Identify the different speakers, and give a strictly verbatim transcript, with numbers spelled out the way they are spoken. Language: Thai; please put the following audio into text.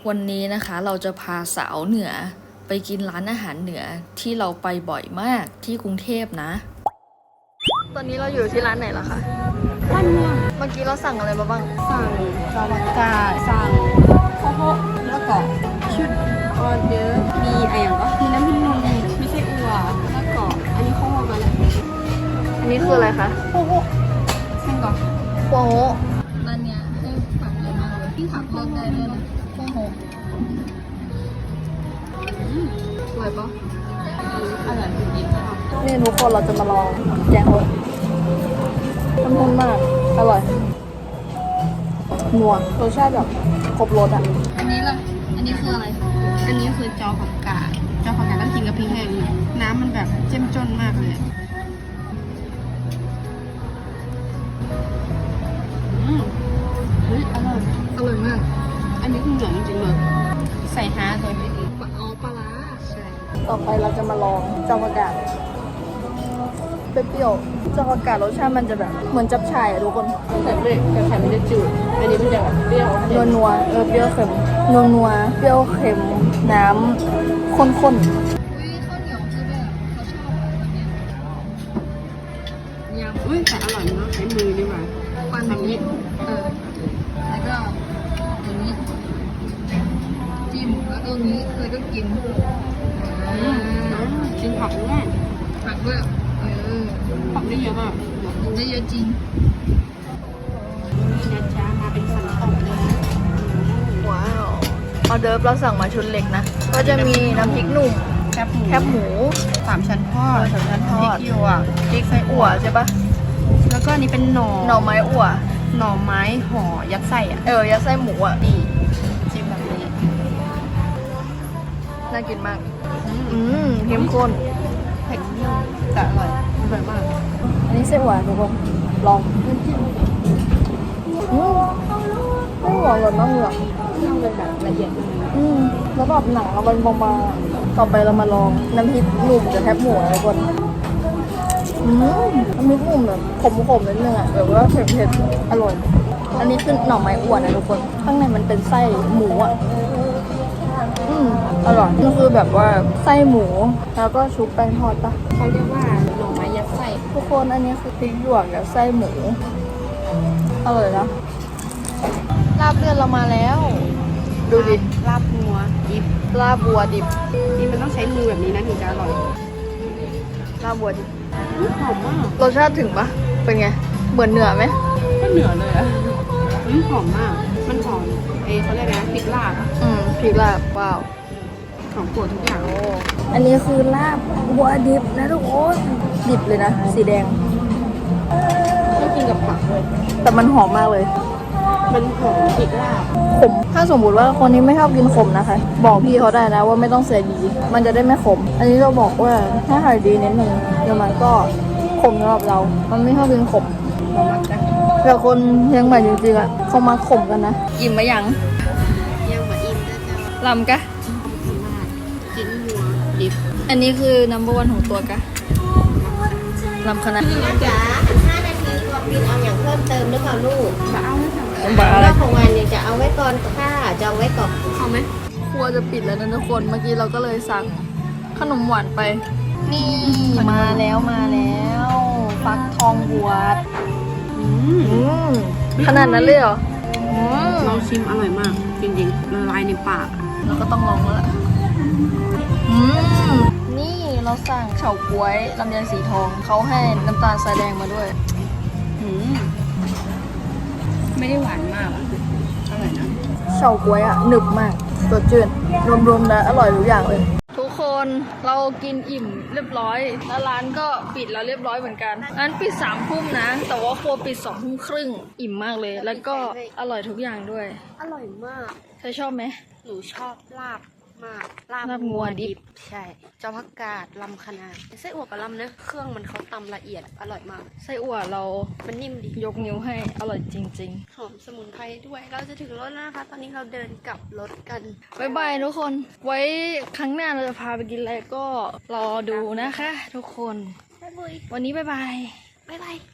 Speaker 1: วันนี้นะคะเราจะพาสาวเหนือไปกินร้านอาหารเหนือที่เราไปบ่อยมากที่กรุงเทพนะตอนนี้เราอยู่ที่ร้านไหนล่ะคะ
Speaker 2: บ้านเมือง
Speaker 1: เมื่อกี้เราสั่งอะไรมาบ้าง
Speaker 2: สั่งจาวกาสั่งข้าวโพดแล้วก็ชุดออเดอร์มีอะไรอย่างก็มีน้ำพริกหนุ่มมีไส้อั่วแล้วก็อันนี้ข้าวโพดมาแล้ว
Speaker 1: อันนี้คืออะไรคะ
Speaker 2: ข้าวโพดเส้นก่อน
Speaker 1: โค้ร้านเนี้ยให้ผักเยอะมากเลยที่ผักเลือกได้ด้วยนะโค้โหสวยปะ
Speaker 2: อร่อยจริงๆ
Speaker 1: นี่ทุกคนเราจะมาลองแกงโฮะข้นๆมากอร่อยนัวรสชาติแบบครบรสอ่ะอันนี้ล่ะอันนี้คืออะไร
Speaker 2: อันนี้คือจอผักกาดจอผักกาดต้องกินกับพริกแห้งน้ำมันแบบเจ้มจนมากเลยอืมเฮ้ยอร่อย
Speaker 1: อร่อยมาก
Speaker 2: อันนี้คือเหนือจริงๆเลยใส่ฮาโดยไม่ดี
Speaker 1: อ๋อปลาร้า
Speaker 2: ใช่
Speaker 1: ต่อไปเราจะมาลองจอผักกาดเปรี้ยวจอผักกาดรสชาติมันจะแบบเหมือนจับฉ่ายอะทุกคน
Speaker 2: แต่ไม่แต่ไข่ไม่ได้จืดอันนี้มันจะแบบเปรี้ยว
Speaker 1: นัวนัวเออเปรี้ยวเค็มนัวนัวเปรี้ยวเค็มน้ำข้นข้นอุ้ยข้าวเหนียวคือแบบเขาชอบแบบนี้
Speaker 2: ยำอุ้ยแต่อร่อยเนาะใช้มือนี่มา
Speaker 1: ปันนี้เออแล้วก็อย่างนี้จิ้มแล้วก็นี้แล้วก็กิน
Speaker 2: กินผักด้วย
Speaker 1: ผักด้วยเออ
Speaker 2: ผักได้เยอะมาก
Speaker 1: กินได้เยอะจริง
Speaker 2: นี่นะจ๊ะมาเป็นสันตกเลย
Speaker 1: ว้าวออเดิร์ฟเราสั่งมาชุดเล็กนะก็จะมีน้ำพริกหนุ่ม
Speaker 2: แคบหมู
Speaker 1: แคบหมู
Speaker 2: สามชั้นทอด
Speaker 1: สามชั้นทอด
Speaker 2: พริกหยวก
Speaker 1: พริกไส้อั่วใช่ปะ
Speaker 2: แล้วก็นี่เป็นหน่อ
Speaker 1: หน่อไม้อั่ว
Speaker 2: หน่อไม้ห่อยัดไส้อ่ะ
Speaker 1: เออยัดไส้หมูอ่ะ
Speaker 2: นี่จิ้มแบบนี้
Speaker 1: น่ากินมากอืมเข้มข้น
Speaker 2: เผ็ดแต่อร่อยอร่อยมาก
Speaker 1: อันนี้ไส้อั่วทุกคนลองอืมไส้อั่วอร่อยมากเลย
Speaker 2: ต้องเป็นแบบละเอียด
Speaker 1: อืมแล้วแบบหนังเราเป็นบางๆต่อไปเรามาลองน้ำพริกหนุ่มกับแคบหมูทุกคนอืมน้ำพริกหนุ่มแบบขมๆนิดนึงอ่ะแบบว่าเผ็ดๆอร่อยอันนี้คือหน่อไม้อั่วนะทุกคนข้างในมันเป็นไส้หมูอ่ะอืมอร่อยนี่คือแบบว่าไส้หมูแล้วก็ชุบแป้งทอดปะ
Speaker 2: เขาเรียกว่าหน่อไม้ยัดไส้
Speaker 1: ทุกคนอันนี้คือพริกหยวกกับไส้หมูอร่อยนะลาบเลือดเรามาแล้วดูดิ
Speaker 2: ลาบงัวดิบ
Speaker 1: ลาบบัวดิบ
Speaker 2: นี่มันต้องใช้มือแบบนี้นะถึงจะอร่อย
Speaker 1: ลาบบัวดิบ
Speaker 2: หอมมาก
Speaker 1: รสชาติถึงปะเป็นไงเหมือนเนื้อไหม
Speaker 2: ก็เนื้อเลยอ่ะหอมมากมันหอมเอเขาเรียกนะพริกลาบ
Speaker 1: อืมพริกลาบว้าว
Speaker 2: ของโปรดทุกอย่าง
Speaker 1: โอ้อันนี้คือลาบบัวดิบนะทุกคนดิบเลยนะสีแดง
Speaker 2: ต้องกินกับผักเลย
Speaker 1: แต่มันหอมมากเลย
Speaker 2: มันหอมพริกลาบ
Speaker 1: ขมถ้าสมมติว่าคนนี้ไม่ชอบกินขมนะคะบอกพี่เขาได้นะว่าไม่ต้องใส่ดีมันจะได้ไม่ขมอันนี้เราบอกว่าถ้าใส่ดีนิดนึงเดี๋ยวมันก็ขมสำหรับเรามันไม่ชอบกินขมแต่คนเชียงใหม่จริงๆอ่ะเขามาขมกันนะอิ่มไหมยัง
Speaker 2: ยังมาอิ่มนะจ๊ะ
Speaker 1: ลำกะ
Speaker 2: จิ้นหัวดิบ
Speaker 1: อันนี้คือ นัมเบอร์วัน ของตัวกะลำคณะ
Speaker 3: จ๋าห้านาทีรวมบินเอาอย่างเพิ่มเติมหรือเปล่าลูก
Speaker 2: มาเอาไม่สั่ง
Speaker 3: รอบของวันเนี่ยจะเอาไว้ก่อนค่ะจะเอาไว้ก่อน
Speaker 2: เอาไหม
Speaker 1: ครัวจะปิดแล้วนะทุกคนเมื่อกี้เราก็เลยสั่งขนมหวานไปนี่มาแล้วมาแล้วฟักทองบวชขนาดนั้นเลยเหรอ
Speaker 2: เราชิมอร่อยมากจริงๆละลายในปาก
Speaker 1: เราก็ต้องลองแล้วล่ะนี่เราสั่งเฉาก๊วยลำไยสีทองเขาให้น้ำตาลทรายแดงมาด้วย
Speaker 2: ไม่ได้หวานมากอ่ะอร่อยนะ
Speaker 1: เฉาก๊วยอ่ะหนึบมากสดชื่นรวมๆแล้วอร่อยทุกอย่างเลยทุกคนเรากินอิ่มเรียบร้อยแล้วร้านก็ปิดแล้วเรียบร้อยเหมือนกันร้านปิดสามทุ่มนะแต่ว่าครัวปิดสองทุ่มครึ่งอิ่มมากเลยแล้วก็อร่อยทุกอย่างด้วย
Speaker 2: อร่อยมาก
Speaker 1: เธอชอบไหม
Speaker 2: หนูชอบลาบมาก
Speaker 1: ลาบงัวดิบ
Speaker 2: ใช่เจ้าผักกาดลำคณะไส้อั่วกับลำนะเครื่องมันเขาตำละเอียดอร่อยมาก
Speaker 1: ไส้อั่วเรา
Speaker 2: มันนิ่มดี
Speaker 1: ยกนิ้วให้อร่อยจริง
Speaker 2: ๆหอมสมุนไพรด้วยเราจะถึงรถแล้วนะคะตอนนี้เราเดินกลับรถกัน
Speaker 1: บ๊ายบายทุกคนไว้ครั้งหน้าเราจะพาไปกินอะไรก็รอดูนะคะทุกคนวันนี้บ๊ายบาย
Speaker 2: บ๊ายบาย